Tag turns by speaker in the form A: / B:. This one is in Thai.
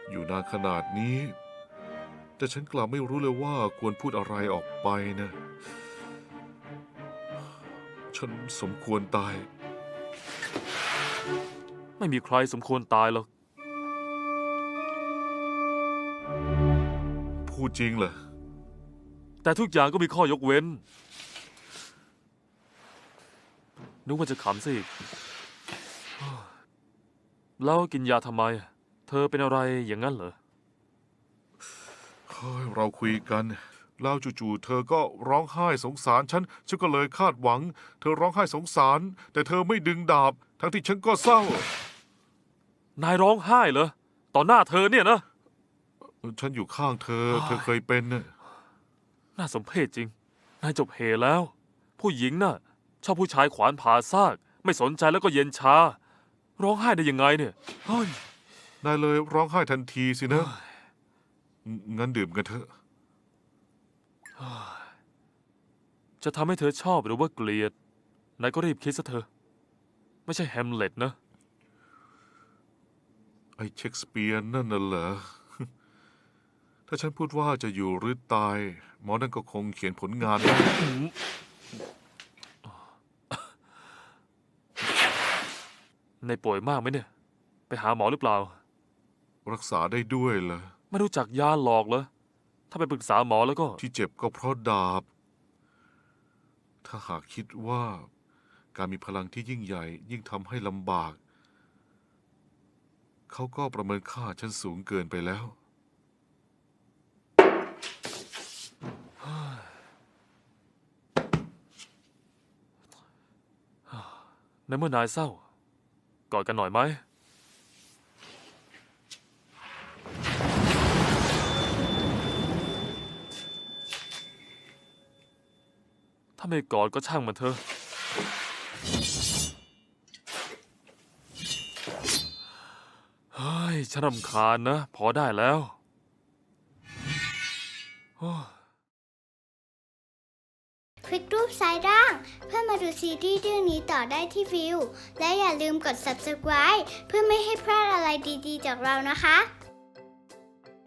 A: อยู่นานขนาดนี้ แต่ฉันกลับไม่รู้เลยว่าควรพูดอะไรออกไปนะ ฉันสมควรตาย
B: ไม่มีใครสมควรตายหรอก
A: พูดจริงเหรอ
B: แต่ทุกอย่างก็มีข้อยกเว้น นึกว่าจะขำซะอีก แล้วกินยาทำไม เธอเป็นอะไรอย่างนั้นเหรอ
A: เฮ้ยเราคุยกันแล้วจู่ๆเธอก็ร้องไห้สงสารฉันก็เลยคาดหวัง เธอร้องไห้สงสาร แต่เธอไม่ดึงดาบ ทั้งที่ฉันก็เศร้า
B: นายร้องไห้เหรอ ต่อหน้าเธอเนี่ยนะ
A: ฉันอยู่ข้างเธอ เธอเคยเป็นน่ะ
B: น่าสมเพชจริง นายจบเหแล้ว ผู้หญิงน่ะ ชอบผู้ชายขวานผ่าซาก ไม่สนใจแล้วก็เย็นชา ร้องไห้ได้ยังไงเนี่ยเฮ้ย
A: นายเลยร้องไห้ทันทีสินะ งั้นดื่มกันเถอะ
B: จะทำให้เธอชอบหรือว่าเกลียด นายก็รีบคิดซะเถอะ ไม่ใช่แฮมเล็ตนะ
A: ไอ้เชคสเปียร์นั่นน่ะเหรอ ถ้าฉันพูดว่าจะอยู่หรือตาย หมอนั่นก็คงเขียนผลงานได้
B: นายป่วยมากไหมเนี่ย ไปหาหมอหรือเปล่า
A: รักษาได้ด้วยเหรอ
B: ไม่รู้จักยาหลอกเหรอ ถ้าไปปรึกษาหมอแล้วก็
A: ที่เจ็บก็เพราะดาบ ถ้าหากคิดว่าการมีพลังที่ยิ่งใหญ่ยิ่งทำให้ลำบาก เขาก็ประเมินค่าฉันสูงเกินไปแล้ว
B: ในเมื่อนายเศร้า กอดกันหน่อยไหม ถ้าไม่กอดก็ช่างมันเถอะ เฮ้ย ฉันรำคาญนะ พอได้แล้วโอ้
C: คลิกรูปซ้ายล่าง เพื่อมาดูซีรีส์เรื่องนี้ต่อได้ที่วิว และอย่าลืมกด subscribe เพื่อไม่ให้พลาดอะไรดีๆจากเรานะคะ